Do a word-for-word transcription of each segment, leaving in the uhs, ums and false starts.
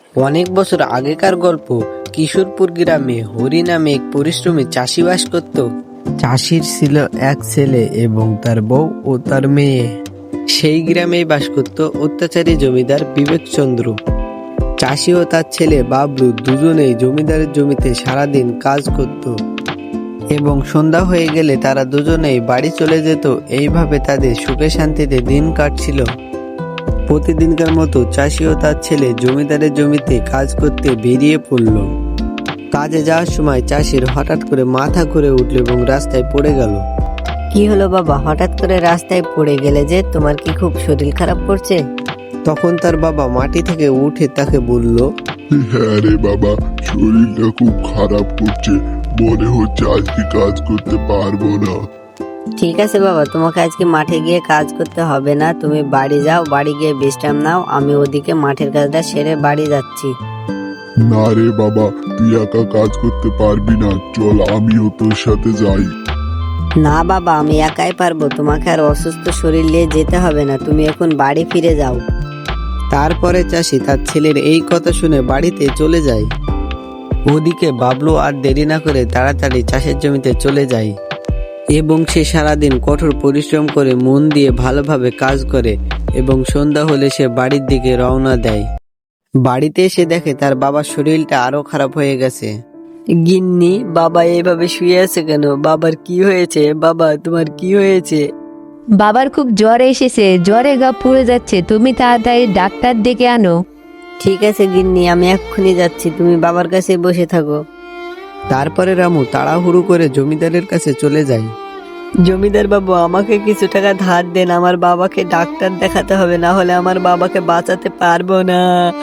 অনেক বছর আগেকার গল্প। কিশোরপুর গ্রামে হরি নামে এক পরিশ্রমী চাষি বাস করত। চাষির ছিল এক ছেলে এবং তার বউ ও তার মেয়ে। সেই গ্রামেই বাস করত অত্যাচারী জমিদার বিবেকচন্দ্র। চাষি ও তার ছেলে বাবলু দুজনেই জমিদারের জমিতে সারাদিন কাজ করত এবং সন্ধ্যা হয়ে গেলে তারা দুজনেই বাড়ি চলে যেত। এইভাবে তাদের সুখে শান্তিতে দিন কাটছিল। প্রতিদিনকার মতো চাষি ও তার ছেলে জমিদারের জমিতে কাজ করতে বেরিয়ে পড়ল। কাজে যাওয়ার সময় চাষির হঠাৎ করে মাথা ঘুরে উঠল এবং রাস্তায় পড়ে গেল। কি হলো বাবা, হঠাৎ করে রাস্তায় পড়ে গেলে যে? তোমার কি খুব শরীর খারাপ করছে? তখন তার বাবা মাটি থেকে উঠে তাকে বলল, হ্যাঁ রে বাবা, শরীরটা খুব খারাপ করছে, মনে হচ্ছে আজকে কাজ করতে পারবো না। ঠিক আছে বাবা, তোমাকে আজকে মাঠে গিয়ে কাজ করতে হবে না, তুমি বাড়ি যাও, বাড়ি গিয়ে বিশ্রাম নাও। আমি ওদিকে মাঠের কাজটা সেরে বাড়ি যাচ্ছি। না রে বাবা, তুই একা কাজ করতে পারবি না, চল আমিও তোর সাথে যাই। না বাবা, আমি একাই পারবো, তোমাকে আর অসুস্থ শরীর নিয়ে যেতে হবে না, তুমি এখন বাড়ি ফিরে যাও। তারপরে চাষি তার ছেলের এই কথা শুনে বাড়িতে চলে যায়। ওদিকে বাবলু আর দেরি না করে তাড়াতাড়ি চাষের জমিতে চলে যায় এবং সে সারাদিন কঠোর পরিশ্রম করে মন দিয়ে ভালোভাবে কাজ করে এবং সন্ধ্যা হলে সে বাড়ির দিকে রওনা দেয়। বাড়িতে এসে দেখে তার বাবার শরীরটা আরো খারাপ হয়ে গেছে। গিন্নি, বাবা এইভাবে শুয়ে আছে কেন? বাবার কি হয়েছে? বাবা তোমার কি হয়েছে? বাবার খুব জ্বর এসেছে, জ্বরে গা পুড়ে যাচ্ছে, তুমি তাড়াতাড়ি ডাক্তার ডেকে আনো। ঠিক আছে গিন্নি, আমি এক্ষুনি যাচ্ছি, তুমি বাবার কাছে বসে থাকো। তারপরে রামু তাড়াহুড়ো করে জমিদারের কাছে চলে যায়। জমিদার বাবু, আমাকে কিছু টাকা ধার দেন, আমার বাবাকে ডাক্তার দেখাতে হবে, না হলে আমার বাবাকে বাঁচাতে পারবো না।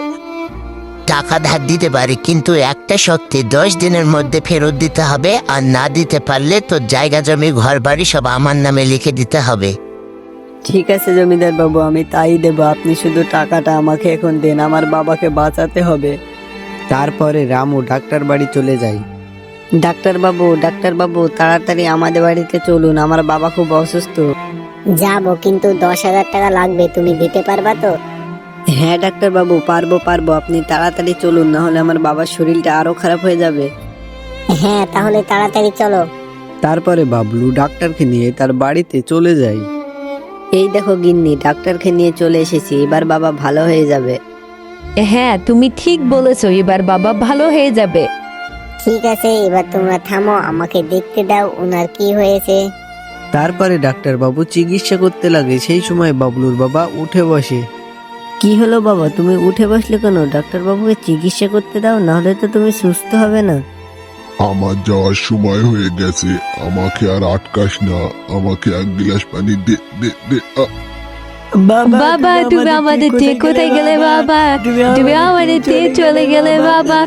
টাকা ধার দিতে পারি, কিন্তু একটা শর্তে, দশ দিনের মধ্যে ফেরত দিতে হবে, আর না দিতে পারলে তোর জায়গা জমি ঘর বাড়ি সব আমার নামে লিখে দিতে হবে। ঠিক আছে জমিদার বাবু, আমি তাই দেবো, আপনি শুধু টাকাটা আমাকে এখন দেন, আমার বাবাকে বাঁচাতে হবে। তারপরে রামু ডাক্তার বাড়ি চলে যায়। ডাক্তার বাবু, ডাক্তার বাবু, তাড়াতাড়ি আমাদের বাড়িতে চলুন, আমার বাবা খুব অসুস্থ। যাবো, কিন্তু দশ হাজার টাকা লাগবে, তুমি দিতে পারবা তো? হ্যাঁ ডাক্তার বাবু, পারবো পারবো, আপনি তাড়াতাড়ি চলুন, না হলে আমার বাবার শরীরটা আরো খারাপ হয়ে যাবে। হ্যাঁ, তাহলে তাড়াতাড়ি চলো। তারপরে বাবলু ডাক্তারকে নিয়ে তার বাড়িতে চলে যায়। এই দেখো গিন্নি, ডাক্তারকে নিয়ে চলে এসেছি, এবার বাবা ভালো হয়ে যাবে। হ্যাঁ, তুমি ঠিক বলেছো, এবার বাবা ভালো হয়ে যাবে। ঠিক আছে, এবার তোমরা থামো, আমাকে দেখতে দাও ওনার কি হয়েছে। তারপরে ডাক্তার বাবু চিকিৎসা করতে লাগে। সেই সময় বাবলুর বাবা উঠে বসে। কি হলো বাবা, তুমি উঠে বসলে কেন? ডাক্তার বাবুকে চিকিৎসা করতে দাও, নাহলে তো তুমি সুস্থ হবে না। আমার যাওয়ার সময় হয়ে গেছে, আমাকে আর আটকাস না, আমাকে এক গ্লাস পানি দে দে দে আ। বাবা, তুমি আমাদের দিয়ে কোথায় গেলে বাবা? তুমি আমাদের দিয়ে চলে গেলে বাবা।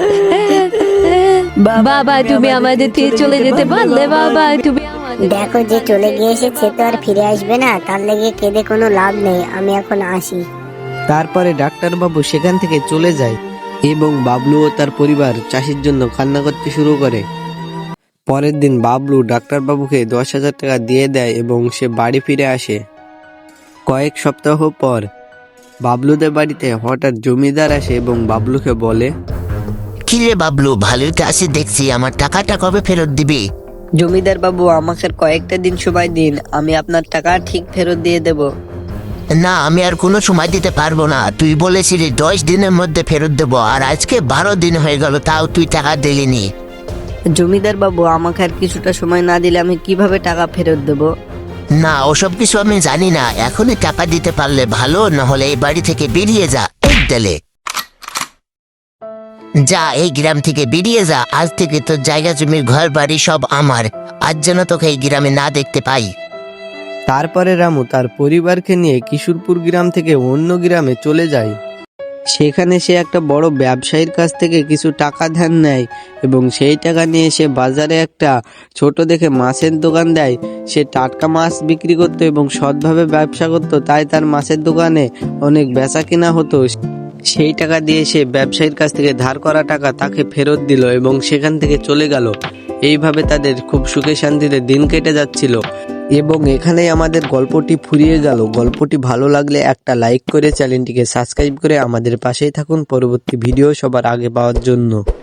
বাবা, তুমি আমাদের দিয়ে চলে যেতে পারলে বাবা? তুমি দেখো, যে চলে গিয়েছে সে তো আর ফিরে আসবে না, তার লেগে কেঁদে কোনো লাভ নেই, আমি এখন আসি। তারপরে ডাক্তার বাবু সেখান থেকে চলে যায় এবং বাবলু ও তার পরিবার চাষির জন্য কান্না করতে শুরু করে। পরের দিন বাবলু ডাক্তার বাবুকে দশ হাজার টাকা দিয়ে দেয় এবং সে বাড়ি ফিরে আসে। কয়েক সপ্তাহ পর বাবলুদের বাড়িতে হঠাৎ জমিদার আসে এবং বাবলুকে বলে, কি রে বাবলু, ভালোই তো আছি দেখছি, আমার টাকাটা কবে ফেরত দিবি? জমিদার বাবু, আমাকে আর কয়েকটা দিন সময় দিন, আমি আপনার টাকা ঠিক ফেরত দিয়ে দেব। না, আমি আর কোনো সময় দিতে পারবো না, তুই বলেছিলি দশ দিনের মধ্যে ফেরত দেবো, আর আজকে বারো দিন হয়ে গেল, তাও তুই টাকা দিলিনি। জমিদার বাবু, আমাকে আর কিছুটা সময় না দিলে আমি কিভাবে টাকা ফেরত দেব? না, ওসব কিছু আমি জানি না, এখনই টাকা দিতে পারলে ভালো, না হলে এই বাড়ি থেকে বেরিয়ে যা। এই দিলে যা, এই গ্রাম থেকে বেরিয়ে যা, আজ থেকে তোর জায়গা জমির ঘর বাড়ি সব আমার, আজ যেন তোকে এই গ্রামে না দেখতে পাই। তারপরে রামু তার পরিবারকে নিয়ে কিশোরপুর গ্রাম থেকে অন্য গ্রামে চলে যায়। সেখানে সে একটা বড় ব্যবসায়ীর কাছ থেকে কিছু টাকা ধার নেয় এবং সেই টাকা নিয়ে সে বাজারে একটা ছোট দেখে মাছের দোকান দেয়। সে টাটকা মাছ বিক্রি করতো এবং সৎভাবে ব্যবসা করতো, তাই তার মাছের দোকানে অনেক বেচা কিনা হতো। সেই টাকা দিয়ে সে ব্যবসায়ীর কাছ থেকে ধার করা টাকা তাকে ফেরত দিল এবং সেখান থেকে চলে গেল। এইভাবে তাদের খুব সুখে শান্তিতে দিন কেটে যাচ্ছিল। এবং এখানেই আমাদের গল্পটি ফুরিয়ে গেল। গল্পটি ভালো লাগলে একটা লাইক করে চ্যানেলটিকে সাবস্ক্রাইব করে আমাদের পাশেই থাকুন পরবর্তী ভিডিও সবার আগে পাওয়ার জন্য।